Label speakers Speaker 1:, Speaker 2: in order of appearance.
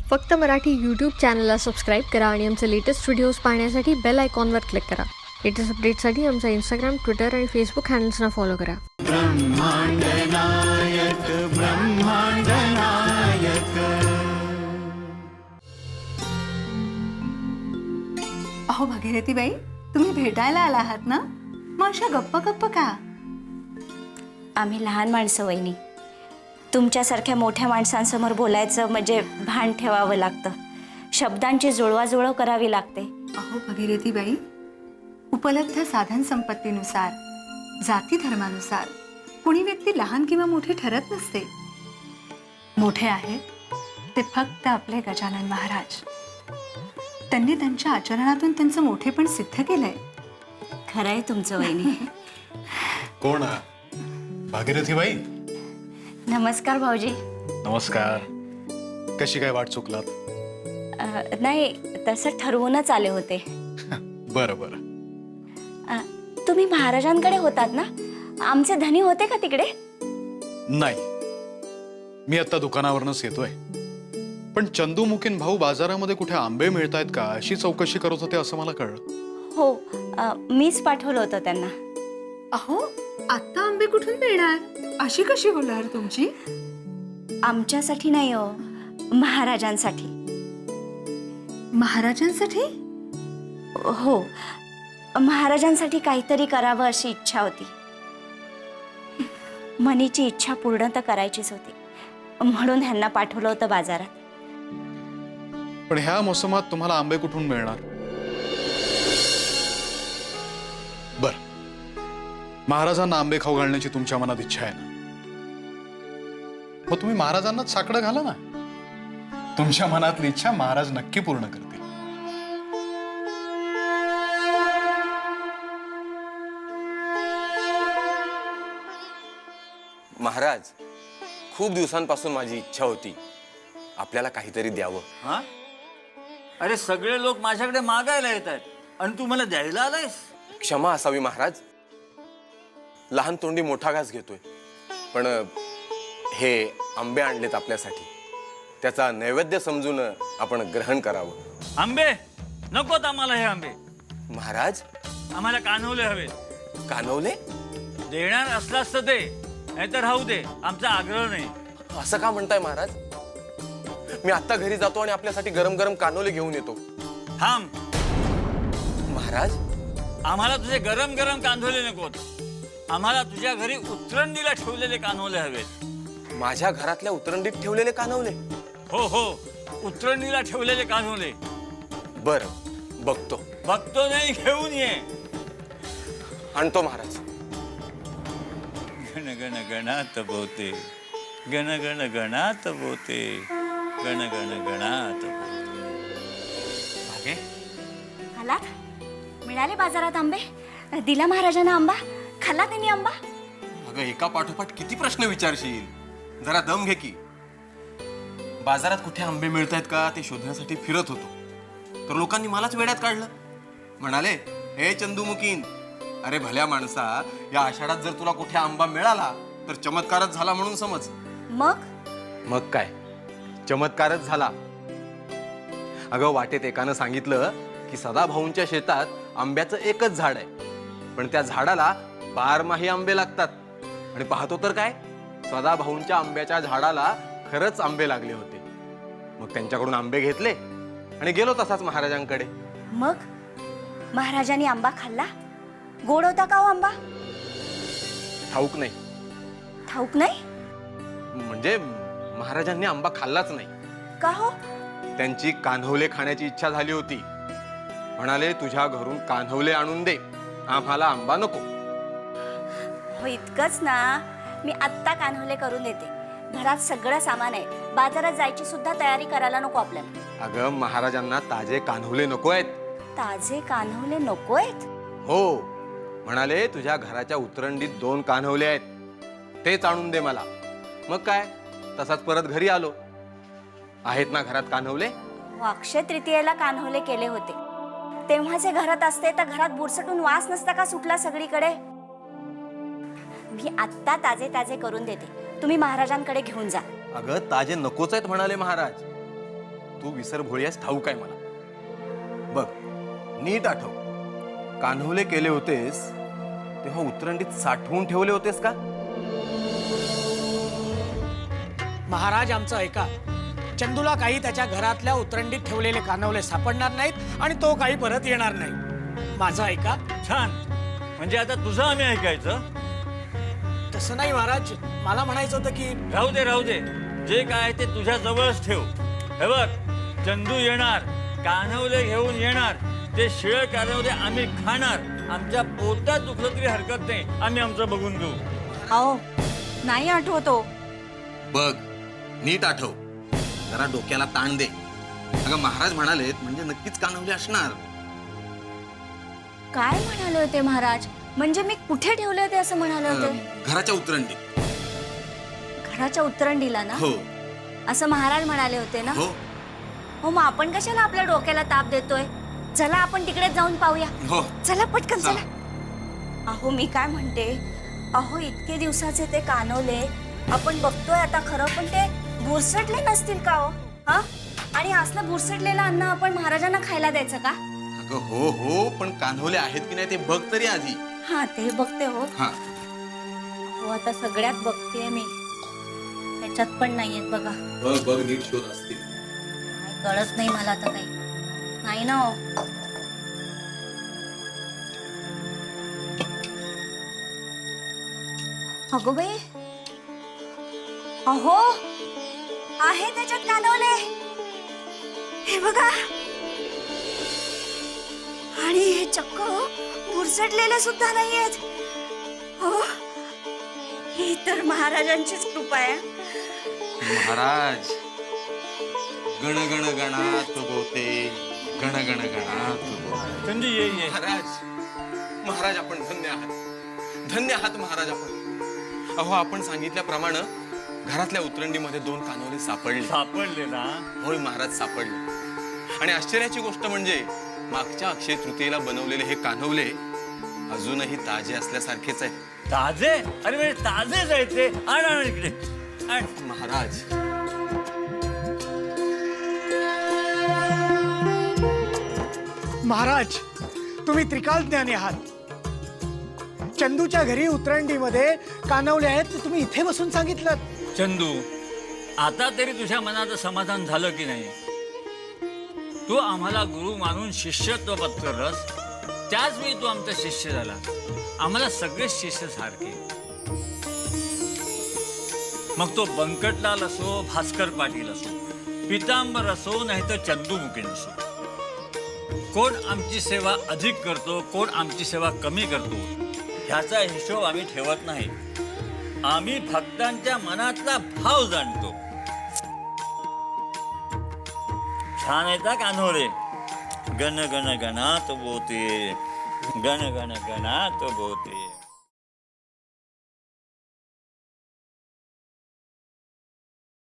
Speaker 1: फक्त मराठी यूट्यूब चॅनलला सबस्क्राईब करा आणि आमचे लेटेस्ट व्हिडिओज पाहण्यासाठी बेल आयकॉनवर क्लिक करा. लेटेस्ट अपडेट्ससाठी आमचा इंस्टाग्राम, ट्विटर आणि फेसबुक हँडल्सना फॉलो करा.
Speaker 2: ब्रह्मांड नायक, ब्रह्मांड नायक.
Speaker 3: अहो भागीरथीबाई, तुम्ही भेटायला आला आहात ना? मग अशा गप्प गप्प का?
Speaker 4: आम्ही लहान माणसं वहिनी, तुमच्यासारख्या मोठ्या माणसांसमोर बोलायचं म्हणजे भान ठेवावं लागतं. शब्दांची जुळवाजुळव करावी लागते.
Speaker 3: अहो भागीरथीबाई, उपलब्ध साधन संपत्तीनुसार, जाती धर्मानुसार कुणी व्यक्ती लहान किंवा मोठी ठरत नसते. मोठे आहेत ते फक्त आपले गजानन महाराज. त्यांनी त्यांच्या आचरणातून त्यांचं मोठेपण सिद्ध केलंय.
Speaker 4: खरंय तुमचं वहिनी.
Speaker 5: कोण भागीरथीबाई?
Speaker 4: नमस्कार भाऊजी.
Speaker 5: नमस्कार. कशी काय वाट चुकलात?
Speaker 4: नाही, तसं ठरवूनच आले होते.
Speaker 5: बरं बरं.
Speaker 4: तुम्ही महाराजांकडे होतात ना? आमचे धनी होते का तिकडे?
Speaker 5: नाही, मी आता दुकानावरनच येतोय. पण चंदूमुखीन भाऊ बाजारामध्ये कुठे आंबे मिळतायत का अशी चौकशी करत होते असं मला कळलं.
Speaker 4: हो, मीच पाठवलं होतं त्यांना.
Speaker 3: अहो, आता आंबे कुठून मिळणार? अशी कशी होणार तुमची?
Speaker 4: आमच्यासाठी नाही हो, महाराजांसाठी.
Speaker 3: महाराजांसाठी?
Speaker 4: हो, महाराजांसाठी काहीतरी करावं अशी इच्छा होती. मनीची इच्छा पूर्ण तर करायचीच होती, म्हणून ह्यांना पाठवलं होतं बाजारात.
Speaker 5: पण ह्या मोसमात तुम्हाला आंबे कुठून मिळणार? बर, महाराजांना आंबे खाऊ घालण्याची तुमच्या मनात इच्छा आहे ना? मग तुम्ही महाराजांनाच साकडं घाला ना. तुमच्या मनातली इच्छा महाराज नक्की पूर्ण करतील.
Speaker 6: महाराज, खूप दिवसांपासून माझी इच्छा होती आपल्याला काहीतरी द्यावं.
Speaker 2: हा? अरे सगळे लोक माझ्याकडे मागायला येत आहेत आणि तू मला द्यायला आलायस?
Speaker 6: क्षमा असावी महाराज, लहान तोंडी मोठा घास घेतोय. पण हे आंबे आणलेत आपल्यासाठी, त्याचा नैवेद्य समजून आपण ग्रहण करावं.
Speaker 2: आंबे नकोत आम्हाला. हे आंबे
Speaker 6: महाराज,
Speaker 2: आम्हाला कानवले हवे.
Speaker 6: कानवले?
Speaker 2: देणार असलास तर दे, नाहीतर राहू दे. आमचा आग्रह नाही.
Speaker 6: असं का म्हणताय महाराज? मी आता घरी जातो आणि आपल्यासाठी गरम गरम कानवले घेऊन येतो.
Speaker 2: थांब
Speaker 6: महाराज,
Speaker 2: आम्हाला तुझे गरम गरम कांदोले नकोत. आम्हाला तुझ्या घरी उतरणीला ठेवलेले कानवले हवेत.
Speaker 6: माझ्या घरातल्या उतरंडीत ठेवलेले कानवले?
Speaker 2: हो हो, उतरणीला ठेवलेले कानवले.
Speaker 6: बरं, बघतो.
Speaker 2: बघतो नाही, घेऊन ये.
Speaker 6: आणतो महाराज.
Speaker 2: गण गण गणात बोते, गण गण गणात बोते, गण गण गणात
Speaker 6: भागे,
Speaker 4: खालात? मिळाले बाजारात आंबे? दिला महाराजांना आंबा? खाल्ला त्यांनी आंबा?
Speaker 6: अगं एका पाठोपाठ किती प्रश्न विचारशील? जरा दम घे की. बाजारात कुठे आंबे मिळतायत का ते शोधण्यासाठी फिरत होतो, तर लोकांनी मलाच वेड्यात काढलं. म्हणाले, हे चंदूमुखीन, अरे भल्या माणसा, या आषाढात जर तुला कुठे आंबा मिळाला तर चमत्कारच झाला म्हणून समज. मग काय, चमत्कारच झाला. अगं वाटेत एकानं सांगितलं की सदाभाऊंच्या शेतात आंब्याचं एकच झाड आहे, पण त्या झाडाला बारमाही आंबे लागतात. आणि पाहतो तर काय, सदाभाऊंच्या आंब्याच्या झाडाला खरंच आंबे लागले होते. मग त्यांच्याकडून आंबे घेतले आणि गेलो तसाच महाराजांकडे.
Speaker 4: मग महाराजांनी आंबा खाल्ला? गोड होता का हो आंबा?
Speaker 6: ठाऊक नाही.
Speaker 4: ठाऊक नाही?
Speaker 6: म्हणजे महाराजांनी आंबा खाल्लाच नाही.
Speaker 4: का हो?
Speaker 6: त्यांची कान्हवले खाण्याची इच्छा झाली होती. म्हणाले, तुझ्या घरून कान्हवले आणून दे, आम्हाला आंबा नको.
Speaker 4: हो, इतकंच ना. मी आत्ता कान्होले करून देते. घरात सगळं सामान आहे. बाजारात जायची सुद्धा तयारी करायला नको आपल्याला.
Speaker 6: अगं महाराजांना ताजे कान्हवले नको आहेत.
Speaker 4: ताजे कान्होले नकोयत?
Speaker 6: हो, म्हणाले तुझ्या घराच्या उतरंडीत 2 कान्हवले आहेत, तेच आणून दे मला. मग काय, तसाच परत घरी आलो. आहेत ना घरात कान्हवले?
Speaker 4: हो, अक्षय तृतीयेला कान्होले केले होते. तेव्हाचे घरात असते तर घरात बुरसटून वास नसता का सुटला सगळीकडे? मी आत्ता ताजे ताजे करून देते. तुम्ही महाराजांकडे घेऊन जा.
Speaker 6: अगं ताजे नकोच आहेत म्हणाले महाराज. तू विसर भोळ्यास ठाऊक आहे मला. बघ, नीट आठव, कान्होले केले होतेस तेव्हा उतरंडीत साठवून ठेवले होतेस का?
Speaker 7: महाराज आमचं ऐका. चंदूला काही त्याच्या घरातल्या उतरंडीत ठेवलेले कानवले सापडणार नाहीत आणि तो काही परत येणार नाही. माझं ऐका.
Speaker 2: छान. म्हणजे आता तुझं आम्ही ऐकायचं?
Speaker 7: तसं नाही महाराज, मला म्हणायचं होतं की
Speaker 2: राहू दे राहू दे, जे काय ते तुझ्या जवळच ठेव. हे बघ, चंदू येणार, कान्हवले घेऊन येणार, ते शिळ कान्हवले आम्ही खाणार. आमच्या पोटात दुखलं तरी हरकत नाही, आम्ही आमचं बघून घेऊ.
Speaker 4: अहो नाही आठवतो.
Speaker 6: बघ, नीट आठव, जरा डोक्याला ताण दे. अगं महाराज म्हणालेत म्हणजे नक्कीच कान्होले असणार.
Speaker 4: काय म्हणाले होते महाराज? म्हणजे मी कुठे ठेवले होते असं म्हणाले होते?
Speaker 6: घराच्या उतरंडीत.
Speaker 4: घराच्या उतरंडीला ना?
Speaker 6: हो
Speaker 4: असं महाराज म्हणाले होते ना?
Speaker 6: हो
Speaker 4: हो, मग आपण कशाला आपल्या डोक्याला ताप देतोय? चला आपण तिकडे जाऊन पाहूया.
Speaker 6: हो.
Speaker 4: चला पटकन
Speaker 6: चला.
Speaker 4: चला. अहो मी काय म्हणते, अहो इतके दिवसाचे ते कानवले आपण बघतोय आता खरं, पण ते बुरसटले नसतील का हो? हा? आणि असलं बुरसटलेलं अन्न आपण महाराजांना खायला द्यायचं का?
Speaker 6: अगं हो हो, पण कान्होले आहेत की नाही ते बघ तरी आधी.
Speaker 4: हा ते बघते हो.
Speaker 6: हा.
Speaker 4: हो आता सगळ्यात बघतेय मी, त्याच्यात पण नाहीयेत बघा.
Speaker 6: बघ बघ, नीट शोध असतील.
Speaker 4: काय कळत नाही मला आता काही. नाही ना हो. अगो बाई, अहो आहे त्याच्यात कानवले, हे बघा. आणि हे चक्क बुरसटलेले सुद्धा नाहीयेत. हो, ही तर महाराजांचीच कृपा आहे.
Speaker 6: महाराज, गण गण गणात बोते, गण गण गणात बोते.
Speaker 2: चंदू ये ये.
Speaker 6: महाराज, महाराज आपण धन्य आहात, धन्य आहात महाराज आपण. अहो आपण सांगितल्याप्रमाणे घरातल्या उतरंडीमध्ये 2 कान्होले सापडले.
Speaker 2: सापडले ना?
Speaker 6: होय महाराज, सापडले. आणि आश्चर्याची गोष्ट म्हणजे मागच्या अक्षय तृतीयेला बनवलेले हे कान्होले अजूनही ताजे असल्यासारखेच आहेत.
Speaker 2: ताजे? अरे म्हणजे ताजेच आहेत ते. आण आण इकडे आण.
Speaker 6: महाराज,
Speaker 7: महाराज तुम्ही त्रिकालज्ञानी आहात. चंदूच्या घरी उतरंडीमध्ये कानवले आहेत ते तुम्ही इथे बसून सांगितलं.
Speaker 2: चंदू, आता तरी तुझ्या मनाचं समाधान झालं की नाही? तू आम्हाला गुरु मानून शिष्यत्व पत्करलंस, त्याच वेळी तू आमचा शिष्य झाला. आम्हाला सगळे शिष्य सारखे. मग तो बंकटलाल असो, भास्कर पाटील असो, पितांबर असो, नाहीतर चंदू मुकेन असो. कोण आमची सेवा अधिक करतो, कोण आमची सेवा कमी करतो, ह्याचा हिशोब आम्ही ठेवत नाही. आम्ही भक्तांच्या मनातला भाव जाणतो. छान आहे का कान्होले? गण गण गणात बोते, गण गण गणात बोते.